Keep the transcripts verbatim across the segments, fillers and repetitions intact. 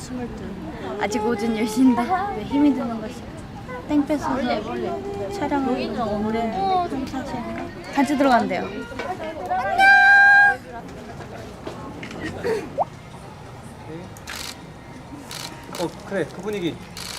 스물둘. 아직 오전 열 시인데 왜 힘이 드는 것이. 땡볕에서 촬영을 너무 오래 했는데 사실 같이 들어간대요. 어 그래 그 분위기.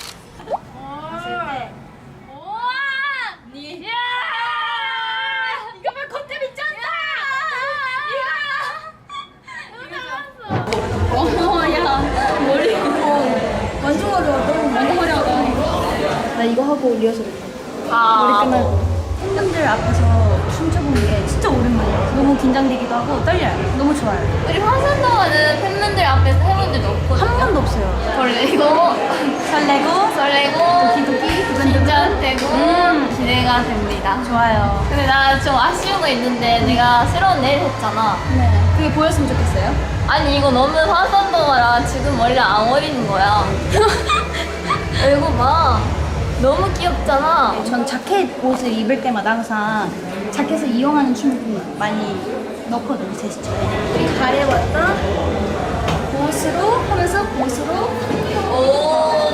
완전 어려워. 너무 완전 화려하다. 나 이거 하고 리허설 했어. 아. 머리 끝나고. 팬들 앞에서 춤춰본 게 진짜 오랜만이야. 너무 긴장되기도 하고 떨려요. 너무 좋아요. 우리 화산동화는 팬분들 앞에서 해본 적이 없거든요. 한 번도 없어요. 설레고 설레고 설레고 도끼도끼 두근두근. 긴장되고 음. 기대가 됩니다. 좋아요. 근데 나 좀 아쉬운 거 있는데 내가 새로운 내일 했잖아. 네. 그게 보였으면 좋겠어요. 아니 이거 너무 화산동화라 지금 원래 안 어리는 거야. 이거 봐. 너무 귀엽잖아. 전 자켓 옷을 입을 때마다 항상 자켓을 이용하는 춤을 많이 넣거든요, 제스처에. 우리 가려웠다 옷으로 하면서 옷으로 오.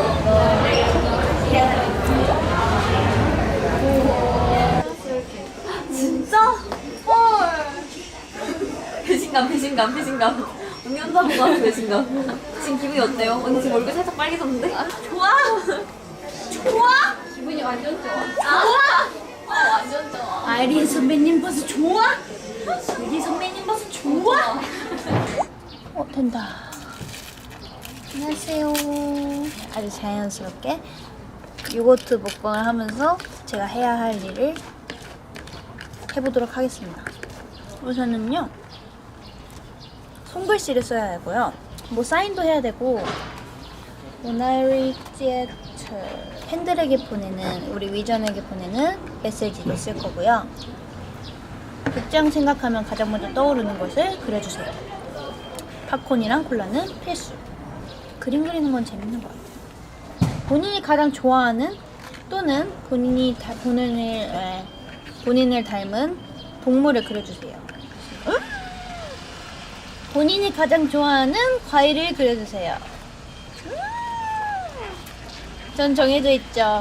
진짜? 헐. 배신감, 배신감, 배신감. 언니 혼자 보고 하는 배신감. 지금 기분이 어때요? 언니 지금 얼굴 살짝 빨개졌는데? 좋아? 좋아? 기분이 완전 좋아. 좋아? 어, 완전 좋아. 아이린 선배님 버스 좋아? 유리 선배님 버스 좋아? 어, 된다. 안녕하세요. 아주 자연스럽게 요거트 먹방을 하면서 제가 해야 할 일을 해보도록 하겠습니다. 우선은요, 손글씨를 써야 하고요. 뭐 사인도 해야 되고, 모나리제트 팬들에게 보내는, 우리 위전에게 보내는 메시지를 쓸 거고요. 극장 생각하면 가장 먼저 떠오르는 것을 그려주세요. 팝콘이랑 콜라는 필수. 그림 그리는 건 재밌는 것 같아요. 본인이 가장 좋아하는 또는 본인이 다, 본인을 에, 본인을 닮은 동물을 그려주세요. 응? 본인이 가장 좋아하는 과일을 그려주세요. 음. 전 정해져 있죠.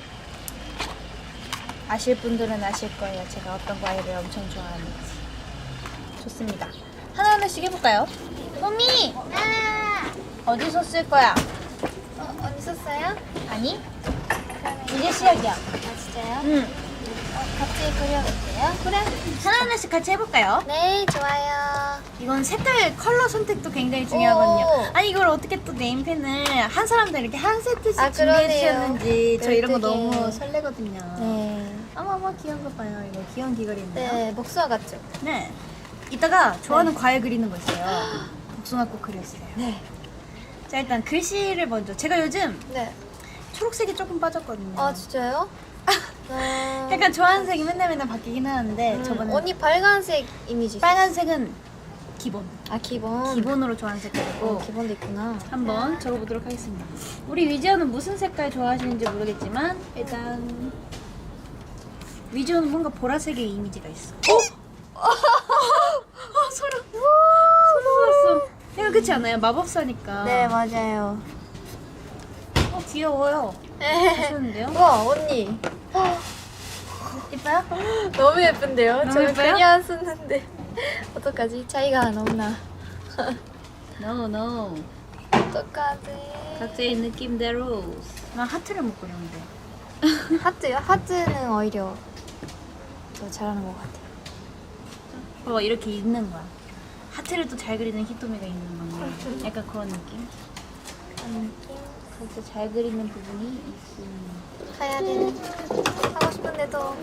아실 분들은 아실 거예요. 제가 어떤 과일을 엄청 좋아하는지. 좋습니다. 하나하나씩 해볼까요? 소미! 어디서 쓸 거야? 어, 언니 썼어요? 아니? 이제 시작이야. 아, 진짜요? 응. 어, 같이 그려볼게요. 그래. 하나하나씩 같이 해볼까요? 네, 좋아요. 이건 색깔, 컬러 선택도 굉장히 중요하거든요. 오. 아니 이걸 어떻게 또 네임펜을 한 사람당 이렇게 한 세트씩 아, 준비해 그러네요. 주셨는지 저 이런 거 되게. 너무 설레거든요. 네. 어머머 귀여운 거 봐요. 이거 귀여운 귀걸이인데요. 네, 목수와 같죠? 네. 이따가 좋아하는 과일 그리는 거 있어요. 복숭아꽃 그렸어요. 네. 자 일단 글씨를 먼저. 제가 요즘 네. 초록색이 조금 빠졌거든요. 아, 진짜요? 아... 약간 좋아하는 색이 맨날 맨날 바뀌긴 하는데 음, 저번에 언니 빨간색 이미지. 빨간색은 기본. 아, 기본. 기본으로 좋아하는 색깔이고 어, 기본도 있구나. 한번 적어보도록 하겠습니다. 우리 위지언은 무슨 색깔 좋아하시는지 모르겠지만 일단 위지언은 뭔가 보라색의 이미지가 있어. 어? 아, 소름. 소름 돋았어. 이거 그렇지 않아요? 마법사니까. 네, 맞아요. 어, 귀여워요. 하셨는데요? 우와, 언니. 이뻐요? 너무 예쁜데요? 너무 저는 예뻐요? 그냥 쓰는데 어떡하지? 차이가 너무나. No, no. 어떡하지? 각자의 느낌대로. 난 하트를 못 그렸는데. 하트요? 하트는 오히려 더 잘하는 것 같아요. 봐봐, 이렇게 있는 거야. 하트를 또 잘 그리는 히토미가 있는 건데. 약간 그런 느낌? 그런 느낌? 그래서 잘 그리는 부분이 있습니다. 가야 되는. 하고 싶은데도.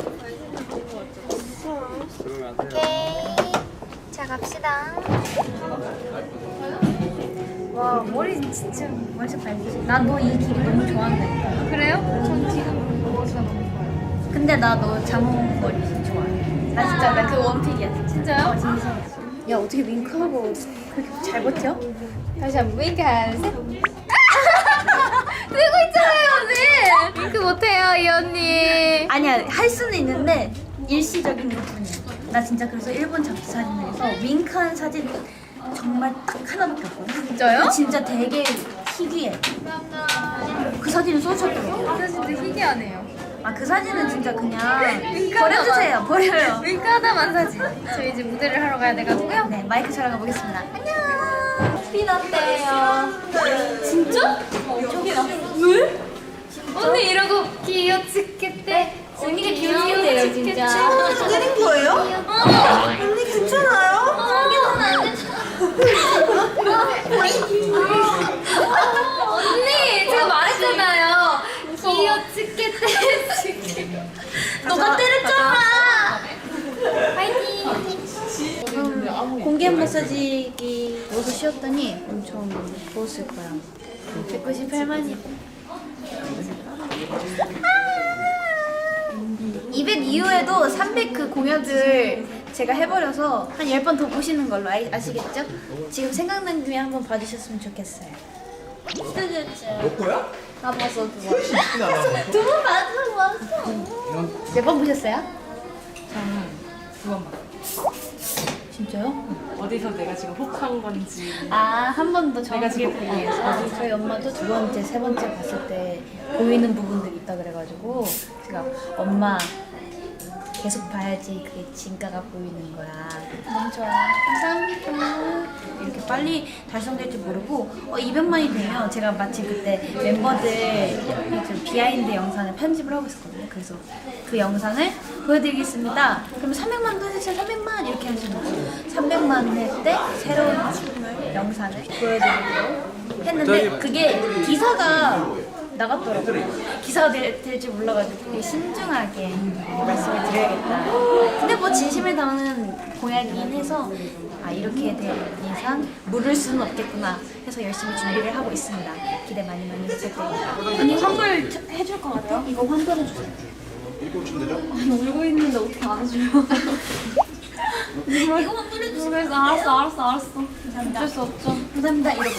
오케이. 자, 갑시다. 와, 머리 진짜 완전 밝으시. 난 너 이 길이 너무 좋아한다니까. 그래요? 전 지금 머리가 너무 좋아요. 근데 나 너 자몽 머리 좋아해. 나 진짜 나 그 원픽이야. 진짜요? 어, 진짜. 야, 어떻게 윙크하고 그렇게 잘 버텨? 다시 한번 윙크 한 셋. 들고 있잖아요, 언니. 윙크 못해요, 이 언니. 아니야, 할 수는 있는데 일시적인 것뿐이야. 나 진짜 그래서 일본 잡지 사진에서 윙크한 사진 정말 딱 하나밖에 없거든. 진짜요? 진짜 되게 희귀해. 그 사진을 쏘셨더라고요. 진짜 희귀하네요. 아, 그 사진은 진짜 그냥 버려주세요. 버려요. 윙크하다만 사진. 저희 이제 무대를 하러 가야 돼가지고요. 네, 마이크 촬영해 보겠습니다. 안녕. 피났대요. 진짜? 저기 나. 왜? 언니 이러고 귀여치겠대. 언니가 귀여운데요, 진짜. 때린 거예요? 언니 괜찮아요? 언니 제가 말했잖아요. 귀여치겠대. 너가 때렸잖아. 파이팅. 공개 마사지기 모두 쉬었더니 엄청 부었을 거야. 백구십팔만이. 이백 이후에도 삼백 그 공약을 제가 해버려서 한 열 번 더 보시는 걸로 아, 아시겠죠? 지금 생각난 김에 한번 봐주셨으면 좋겠어요. 너 거야? 나 봤어, 두 번. 두 번 봤어, 봤어. 몇 번 보셨어요? 저는 두 번 봤어요. 진짜요? 어디서 내가 지금 혹한 건지. 아, 한 번 더 내가 정확하게 지금 보기 위해서 저희 엄마도 두 번째, 세 번째 봤을 때 보이는 부분들이 있다 그래가지고 제가 엄마 계속 봐야지 그게 진가가 보이는 거야. 너무 좋아요. 감사합니다. 이렇게 빨리 달성될 줄 모르고 어, 이백만이 되면 제가 마침 그때 멤버들 좀 비하인드 영상을 편집을 하고 있었거든요. 그래서 그 영상을 보여드리겠습니다. 그럼 삼백만도 해주세요. 삼백만 이렇게 하시는 거예요. 삼백만 할 때 새로운 영상을 보여드리기로 했는데 그게 기사가 나갔더라고요. 기사가 될 줄 몰라가지고 신중하게 말씀을 드려야겠다. 근데 뭐 진심을 담는 공약이긴 해서 아 이렇게 될 이상 물을 수는 없겠구나 해서 열심히 준비를 하고 있습니다. 기대 많이 많이 부탁드립니다. 언니 환불 저- 해줄 것 같아? 이거 환불해주세요. 울고 있는데 어떻게 안 해줘요? 이거 환불해주세요. 그래서 알았어, 알았어, 알았어. 감사합니다. 어쩔 수 없죠. 감사합니다. 이러고.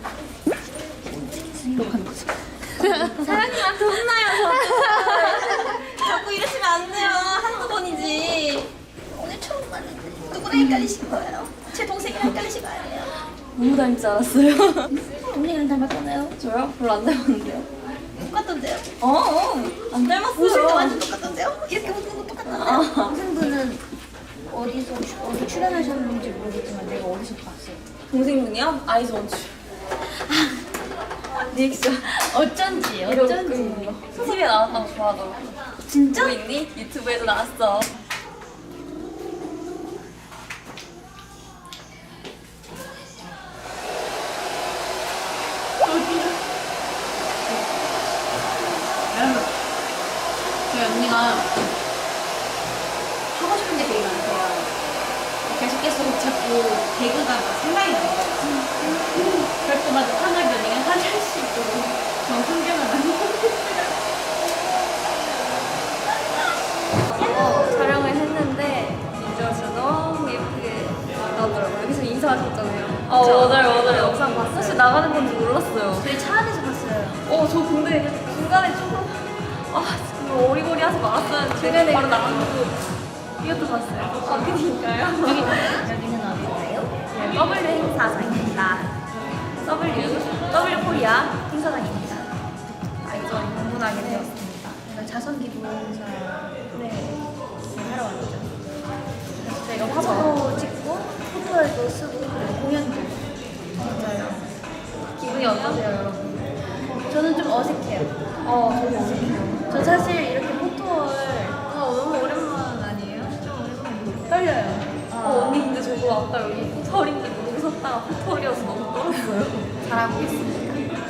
이러고 거죠. 사장님한테 혼나요, 저. 자꾸 이러시면 안 돼요. 한두 번이지. 오늘 처음 봤는데 누구랑 헷갈리신 거예요? 제 동생이랑 헷갈리신 거 아니에요? 너무 닮지 않았어요? 언니랑 닮았잖아요. 저요? 별로 안 닮았는데요? 똑같던데요? 어, 어, 안 닮았어요. 옷도 완전 똑같던데요? 이렇게 웃는 거 똑같던데요? 동생분은 어디서 주- 어디 출연하셨는지 모르겠지만 내가 어디서 봤어요. 동생분이요? 아이즈 원추. 리액션. 어쩐지 어쩐지. 티비에 나왔다고 좋아하더라고. 진짜? 보고 있니? 유튜브에도 나왔어. 여러분 저희 언니가 하고 싶은 게 되게 많대요. 계속 계속 자꾸 개그가 막 생각이 나요. 그럴 때마다 하나를 언니가 하나씩 또 정성경을 많이 어, 촬영을 했는데 민주가 진짜 너무 예쁘게 나오더라고요. 여기서 인사하셨잖아요. 어, 맞아요, 맞아요. 영상 봤어? 사실 나가는 건지 몰랐어요. 저희 차 안에서 봤어요. 어, 저 근데 중간에 조금 아, 지금 어리거리 하지 말았어야 했는데 바로 나가고 이것도 봤어요. 아, 그니까요. 여기 여기는 어디예요? W 행사장입니다. W, W 코리아 행사장입니다. 아이전 방문하게 되었습니다. 자선기 보험사 네 하러 왔죠. 그래서 저희가 맞아. 화보 찍고 포토에도 쓰고 그리고 공연도 맞아요. 기분이 어떠세요, 여러분? 저는 좀 어색해요. 어, 저도 어색해요. 저 사실 이렇게 포토를 어, 너무 오랜만 아니에요? 떨려요. 어, 언니 근데 저도 아까 여기 포털인지 모르고 섰다가 포털이어서 너무 떨었어요. 잘하고 있습니다.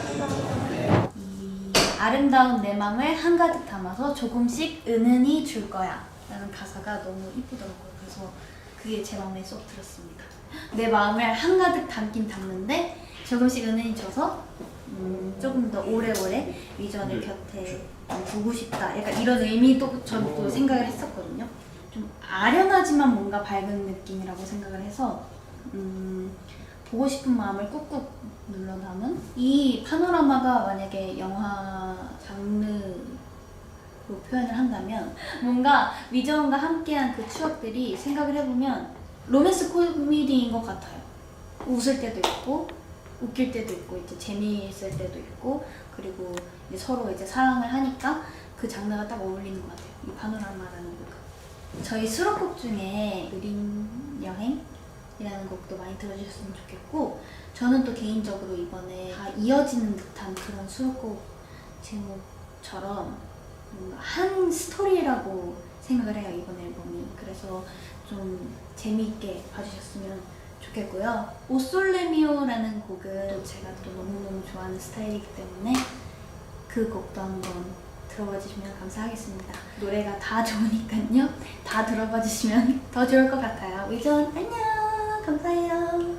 아름다운 내 맘을 한가득 담아서 조금씩 은은히 줄 거야 라는 가사가 너무 이쁘더라고요. 그래서 그게 제 마음에 쏙 들었습니다. 내 마음을 한가득 담긴 담는데 조금씩 은은히 줘서 음, 조금 더 오래오래 위전을 곁에 두고 싶다. 약간 이런 의미도 전 또 생각을 했었거든요. 좀 아련하지만 뭔가 밝은 느낌이라고 생각을 해서 음, 보고 싶은 마음을 꾹꾹 눌러 담은 이 파노라마가 만약에 영화 장르로 표현을 한다면 뭔가 위저원과 함께한 그 추억들이 생각을 해보면 로맨스 코미디인 것 같아요. 웃을 때도 있고 웃길 때도 있고 이제 재미있을 때도 있고 그리고 이제 서로 이제 사랑을 하니까 그 장르가 딱 어울리는 것 같아요. 이 파노라마라는 곡. 저희 수록곡 중에 느린 여행이라는 곡도 많이 들어주셨으면 좋겠고 저는 또 개인적으로 이번에 다 이어지는 듯한 그런 수록곡 제목처럼 뭔가 한 스토리라고 생각을 해요, 이번 앨범이. 그래서 좀 재미있게 봐주셨으면 좋겠고요. 오솔레미오라는 곡은 제가 또 너무너무 좋아하는 스타일이기 때문에 그 곡도 한번 들어봐 주시면 감사하겠습니다. 노래가 다 좋으니까요. 다 들어봐 주시면 더 좋을 것 같아요. 위전 안녕! 감사해요.